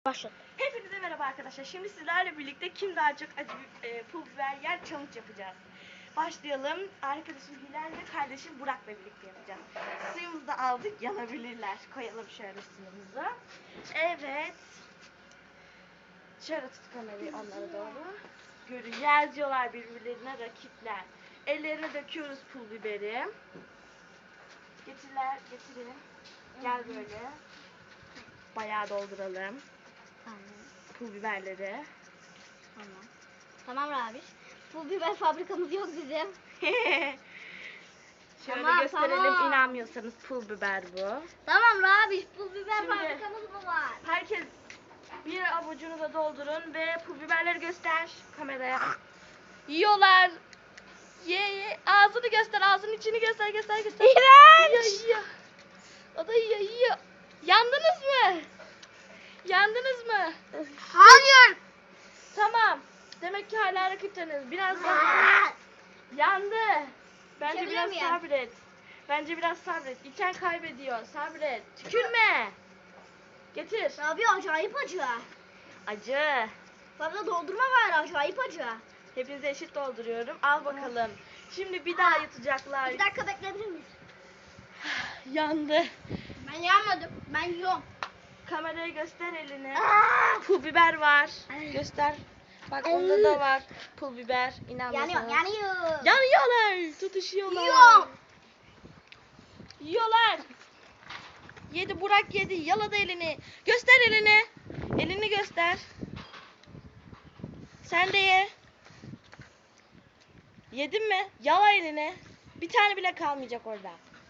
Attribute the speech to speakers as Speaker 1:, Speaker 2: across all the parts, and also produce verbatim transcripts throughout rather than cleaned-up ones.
Speaker 1: Başla.
Speaker 2: Hepinize merhaba arkadaşlar. Şimdi sizlerle birlikte kim daha çok acı e, pul biber yer challenge yapacağız. Başlayalım. Arkadaşım Hilal ve kardeşim Burak'la birlikte yapacağız. Suyumuzu da aldık, yanabilirler. Koyalım şöyle suyumuzu. Evet. Şöyle tut kamerayı onlara doğru. Görün, yazıyorlar birbirlerine rakipler. Ellerine döküyoruz pul biberi. Getirler, getirin. Gel böyle. Bayağı dolduralım.
Speaker 1: Tamam.
Speaker 2: Pul biberleri.
Speaker 1: Tamam. Tamam Rabiş. Pul biber fabrikamız yok bizim.
Speaker 2: Şöyle
Speaker 1: Tamam,
Speaker 2: gösterelim,
Speaker 1: tamam.
Speaker 2: inanmıyorsanız pul biber bu.
Speaker 1: Tamam Rabiş. Pul biber
Speaker 2: Şimdi-
Speaker 1: fabrikamız mı var?
Speaker 2: Herkes bir avucunu da doldurun ve pul biberleri göster kameraya. Yiyorlar. Ye ye. Ağzını göster, ağzının içini göster, göster, göster.
Speaker 1: İğrenç.
Speaker 2: Yiyor, yiyor. O da yiyor, yiyor. Yandınız mı? Yandınız mı?
Speaker 1: Hayır.
Speaker 2: Tamam. Demek ki hala rakipteniz. Biraz daha. Yandı. Bence
Speaker 1: İçebilir
Speaker 2: biraz
Speaker 1: miyim?
Speaker 2: sabret. Bence biraz sabret. İçen kaybediyor. Sabret. Tükürme. Getir.
Speaker 1: Rabi acayip acı.
Speaker 2: Acı.
Speaker 1: Fazla doldurma var, acayip acı.
Speaker 2: Hepinize eşit dolduruyorum. Al bakalım. Şimdi bir daha yutacaklar.
Speaker 1: Bir dakika bekleyebilir miyiz?
Speaker 2: Yandı.
Speaker 1: Ben yanmadım. Ben yiyorum.
Speaker 2: Kameraya göster elini.
Speaker 1: Aa!
Speaker 2: Pul biber var.
Speaker 1: Ay.
Speaker 2: Göster. Bak
Speaker 1: Ay.
Speaker 2: onda da var. Pul biber. İnanmıyorsanız.
Speaker 1: Yanıyor, yanıyor.
Speaker 2: Yanıyorlar. Tutuşuyorlar.
Speaker 1: Yiyorum.
Speaker 2: Yiyorlar. Yedi, Burak yedi. Yaladı elini. Göster elini. Elini göster. Sen de ye. Yedin mi? Yala elini. Bir tane bile kalmayacak orada.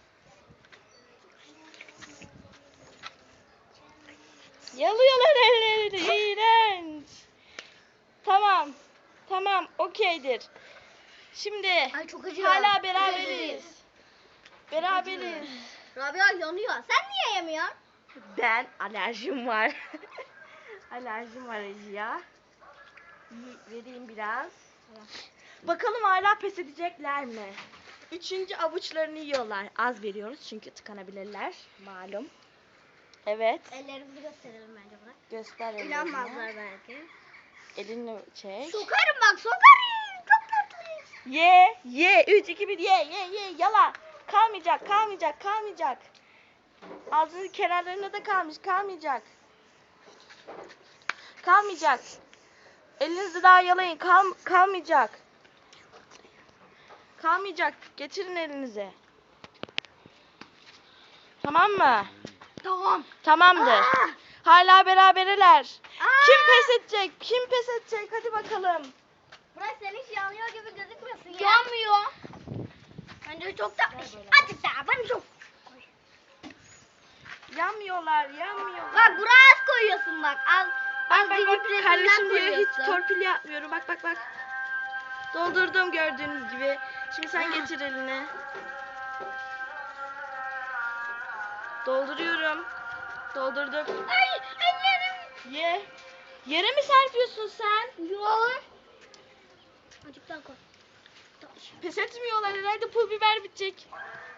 Speaker 2: Yalıyorlar ellerini. İğrenç. Tamam. Tamam. Okeydir. Şimdi
Speaker 1: Ay çok acı.
Speaker 2: hala beraberiz. Beraberiz.
Speaker 1: Rabia yanıyor. Sen niye yemiyorsun?
Speaker 2: Ben alerjim var. Alerjim var acıya. Y- Vereyim biraz. Bakalım hala pes edecekler mi? Üçüncü avuçlarını yiyorlar. Az veriyoruz çünkü tıkanabilirler. Malum. Evet.
Speaker 1: Ellerimizi gösterelim bence bırak.
Speaker 2: Göster ellerini.
Speaker 1: İnanmazlar belki.
Speaker 2: Elini çek.
Speaker 1: Sokarım bak, sokarım. Çok kötüyüz.
Speaker 2: Ye, ye. Üç, iki, bir, ye, ye, ye. Yala. Kalmayacak, kalmayacak, kalmayacak. Ağzının kenarlarında da kalmış, kalmayacak. Kalmayacak. Elinizi daha yalayın, kal kalmayacak. Kalmayacak. Getirin elinizi. Tamam mı?
Speaker 1: Tamam.
Speaker 2: Tamamdır.
Speaker 1: Aa!
Speaker 2: Hala beraberler.
Speaker 1: Aa!
Speaker 2: Kim pes edecek? Kim pes edecek? Hadi bakalım.
Speaker 1: Burak sen hiç yanıyor gibi gözükmüyorsun ya. Yanmıyor. Bence çok tatlı. Azıcık daha, ben çok.
Speaker 2: Yanmıyorlar, yanmıyorlar.
Speaker 1: Bak Burak'a az koyuyorsun bak. Az.
Speaker 2: Bak
Speaker 1: Az
Speaker 2: bak
Speaker 1: bir
Speaker 2: bak
Speaker 1: litresinden
Speaker 2: kardeşim diyor hiç
Speaker 1: koyuyorsun.
Speaker 2: torpil yapmıyorum. Bak bak bak. Doldurdum gördüğünüz gibi. Şimdi sen getir elini. Dolduruyorum. Doldurdum.
Speaker 1: Ay ellerim.
Speaker 2: Ye. Yere mi serpiyorsun sen?
Speaker 1: Yok. Azıcık daha koy.
Speaker 2: Pes etmiyorlar herhalde, pul biber bitecek.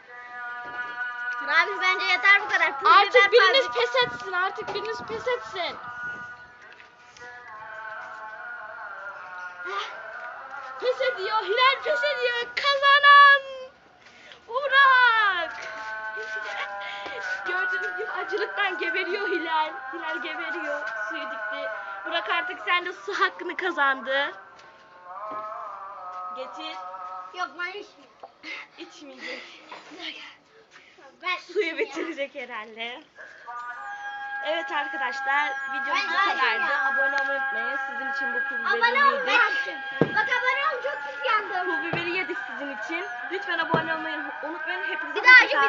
Speaker 1: Abi bence yeter bu kadar. Pul
Speaker 2: Artık
Speaker 1: biber
Speaker 2: biriniz
Speaker 1: fazla.
Speaker 2: pes etsin. Artık biriniz pes etsin. Pes ediyor. Hilal pes ediyor. Kazanan Burak. Gördüğünüz gibi acılıktan geberiyor Hilal. Hilal geberiyor. Suyu dikti. Burak artık sen de su hakkını kazandı. Getir.
Speaker 1: Yok ben içmiyorum.
Speaker 2: İçmeyecek.
Speaker 1: Ben
Speaker 2: Suyu bitirecek herhalde. Evet arkadaşlar, videomuz bu
Speaker 1: Ben-
Speaker 2: kadardı.
Speaker 1: ya.
Speaker 2: Abone olmayı unutmayın. Sizin için bu pul
Speaker 1: Abone
Speaker 2: biberi
Speaker 1: ol
Speaker 2: yedik.
Speaker 1: ben. Bak abone ol, çok pis yandım.
Speaker 2: Pul biberi yedik sizin için. Lütfen abone olmayı unutmayın. Hepinize
Speaker 1: Bir daha
Speaker 2: hoşça kalın.